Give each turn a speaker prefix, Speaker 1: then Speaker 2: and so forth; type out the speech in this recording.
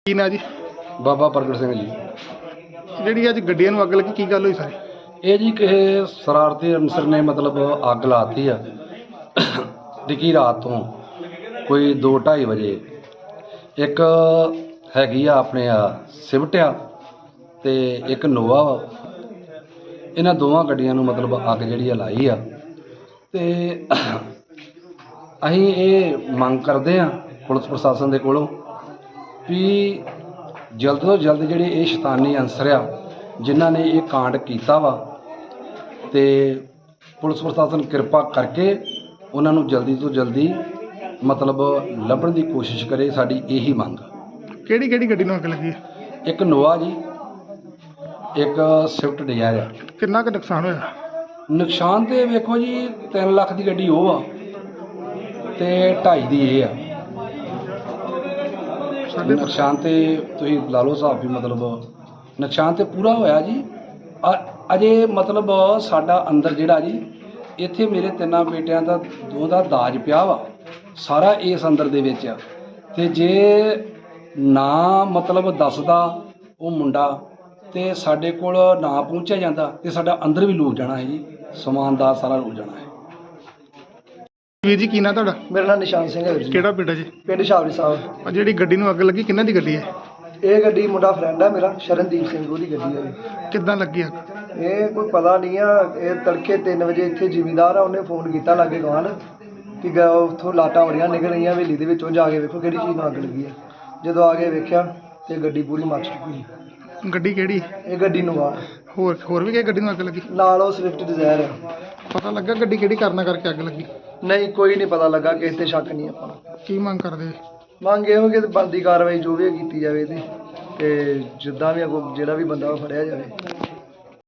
Speaker 1: ਕੀ ਨਾ ਜੀ?
Speaker 2: ਬਾਬਾ ਪ੍ਰਗਟ ਸਿੰਘ ਜੀ।
Speaker 1: ਜਿਹੜੀ ਅੱਜ ਗੱਡੀਆਂ ਨੂੰ ਅੱਗ ਲੱਗੀ, ਕੀ ਗੱਲ ਹੋਈ ਸਾਰੀ?
Speaker 2: ਇਹ ਜੀ ਕਿਸੇ ਸ਼ਰਾਰਤੀ ਅਨਸਰ ਨੇ ਮਤਲਬ ਅੱਗ ਲਾਤੀ ਆ ਡਿੱਗੀ ਰਾਤ ਤੋਂ ਕੋਈ 2:30 ਵਜੇ। ਇੱਕ ਹੈਗੀ ਆ ਆਪਣੇ ਆ ਸਿਵਟ ਆ ਅਤੇ ਇੱਕ ਨੋਵਾ ਵਾ। ਇਹਨਾਂ ਦੋਵਾਂ ਗੱਡੀਆਂ ਨੂੰ ਮਤਲਬ ਅੱਗ ਜਿਹੜੀ ਆ ਲਾਈ ਆ। ਅਤੇ ਅਸੀਂ ਇਹ ਮੰਗ ਕਰਦੇ ਹਾਂ ਪੁਲਿਸ ਪ੍ਰਸ਼ਾਸਨ ਦੇ ਕੋਲੋਂ ਵੀ ਜਲਦ ਤੋਂ ਜਲਦ ਜਿਹੜੇ ਇਹ ਸ਼ੈਤਾਨੀ ਅਨਸਰ ਆ ਜਿਨ੍ਹਾਂ ਨੇ ਇਹ ਕਾਂਡ ਕੀਤਾ ਵਾ, ਅਤੇ ਪੁਲਿਸ ਪ੍ਰਸ਼ਾਸਨ ਕਿਰਪਾ ਕਰਕੇ ਉਹਨਾਂ ਨੂੰ ਜਲਦੀ ਤੋਂ ਜਲਦੀ ਮਤਲਬ ਲੱਭਣ ਦੀ ਕੋਸ਼ਿਸ਼ ਕਰੇ। ਸਾਡੀ ਇਹੀ ਮੰਗ।
Speaker 1: ਕਿਹੜੀ ਕਿਹੜੀ ਗੱਡੀ ਨੂੰ ਅੱਗ ਲੱਗੀ ਹੈ?
Speaker 2: ਇੱਕ ਨੋਵਾ ਜੀ, ਇੱਕ ਸਵਿਫਟ ਡਿਜ਼ਾਇਰ ਆ।
Speaker 1: ਕਿੰਨਾ ਕੁ ਨੁਕਸਾਨ ਹੋਇਆ?
Speaker 2: ਨੁਕਸਾਨ ਤਾਂ ਵੇਖੋ ਜੀ 3 ਲੱਖ ਦੀ ਗੱਡੀ ਉਹ ਆ ਅਤੇ 2.5 ਦੀ ਇਹ ਆ। ਨੁਕਸਾਨ ਤੇ ਤੁਸੀਂ ਲਾ ਲਓ ਹਿਸਾਬ ਵੀ, ਮਤਲਬ ਨੁਕਸਾਨ ਤੇ ਪੂਰਾ ਹੋਇਆ ਜੀ। ਅਜੇ ਮਤਲਬ ਸਾਡਾ ਅੰਦਰ ਜਿਹੜਾ ਜੀ ਇੱਥੇ ਮੇਰੇ 3 ਬੇਟਿਆਂ ਦਾ 2 ਦਾ ਦਾਜ ਪਿਆ ਵਾ ਸਾਰਾ ਇਸ ਅੰਦਰ ਦੇ ਵਿੱਚ ਆ। ਅਤੇ ਜੇ ਨਾ ਮਤਲਬ ਦੱਸਦਾ ਉਹ ਮੁੰਡਾ ਅਤੇ ਸਾਡੇ ਕੋਲ ਨਾ ਪਹੁੰਚਿਆ ਜਾਂਦਾ ਅਤੇ ਸਾਡਾ ਅੰਦਰ ਵੀ ਲੁੱਟ ਜਾਣਾ ਹੈ ਜੀ, ਸਮਾਨ ਦਾ ਸਾਰਾ ਲੁੱਟ ਜਾਣਾ ਹੈ।
Speaker 1: ਵੀਰ ਜੀ ਕੀ ਨਾਂ ਤੁਹਾਡਾ?
Speaker 3: ਮੇਰਾ ਨਾਮ ਨਿਸ਼ਾਨ ਸਿੰਘ ਹੈ ਜੀ।
Speaker 1: ਕਿਹੜਾ ਪਿੰਡ ਹੈ ਜੀ?
Speaker 3: ਪਿੰਡ ਸ਼ਾਬਰੀ ਸਾਹਿਬ।
Speaker 1: ਆ ਜਿਹੜੀ ਗੱਡੀ ਨੂੰ ਅੱਗ ਲੱਗੀ ਕਿੰਨਾਂ ਦੀ ਗੱਡੀ ਹੈ?
Speaker 3: ਇਹ ਗੱਡੀ ਮੁੰਡਾ ਫਰੈਂਡ ਹੈ ਮੇਰਾ, ਸ਼ਰਨਦੀਪ ਸਿੰਘ, ਉਹਦੀ ਗੱਡੀ ਹੈ ਜੀ।
Speaker 1: ਕਿੱਦਾਂ ਲੱਗੀ ਅੱਗ?
Speaker 3: ਇਹ ਕੋਈ ਪਤਾ ਨਹੀਂ ਆ। ਇਹ ਤੜਕੇ 3 ਵਜੇ ਇੱਥੇ ਜ਼ਿਮੀਂਦਾਰ ਆ, ਉਹਨੇ ਫੋਨ ਕੀਤਾ ਲਾਗੇ ਗਵਾਂਢ ਕਿ ਉੱਥੋਂ ਲਾਟਾਂ ਬੜੀਆਂ ਨਿਕਲ ਰਹੀਆਂ ਹਵੇਲੀ ਦੇ ਵਿੱਚੋਂ, ਜਾ ਕੇ ਵੇਖੋ ਕਿਹੜੀ ਚੀਜ਼ ਨੂੰ ਅੱਗ ਲੱਗੀ ਹੈ। ਜਦੋਂ ਆ ਕੇ ਵੇਖਿਆ ਤੇ ਗੱਡੀ ਪੂਰੀ ਮੱਚ ਚੁੱਕੀ।
Speaker 1: ਗੱਡੀ ਕਿਹੜੀ?
Speaker 3: ਇਹ ਗੱਡੀ ਨੂੰ ਆ
Speaker 1: ਹੋਰ ਵੀ ਕਿਹੜੀ ਗੱਡੀ ਨੂੰ ਅੱਗ ਲੱਗੀ?
Speaker 3: ਨਾਲ ਉਹ ਸਵਿਫਟ ਡਿਜ਼ਾਇਰ ਆ।
Speaker 1: ਪਤਾ ਲੱਗਾ ਗੱਡੀ ਕਿਹੜੀ ਕਾਰਨ ਕਰਕੇ ਅੱਗ ਲੱਗੀ?
Speaker 3: ਨਹੀਂ, ਕੋਈ ਨਹੀਂ ਪਤਾ ਲੱਗਾ, ਕਿਸੇ ਤੇ ਸ਼ੱਕ ਨਹੀਂ ਆਪਾਂ ਨੂੰ।
Speaker 1: ਕੀ ਮੰਗ ਕਰਦੇ?
Speaker 3: ਮੰਗ ਇਹੋ ਕਿ ਬਣਦੀ ਕਾਰਵਾਈ ਜੋ ਵੀ ਕੀਤੀ ਜਾਵੇ ਇਹਦੀ, ਤੇ ਜਿੱਦਾਂ ਵੀ ਅੱਗੋਂ ਜਿਹੜਾ ਵੀ ਬੰਦਾ ਉਹ ਫੜਿਆ ਜਾਵੇ।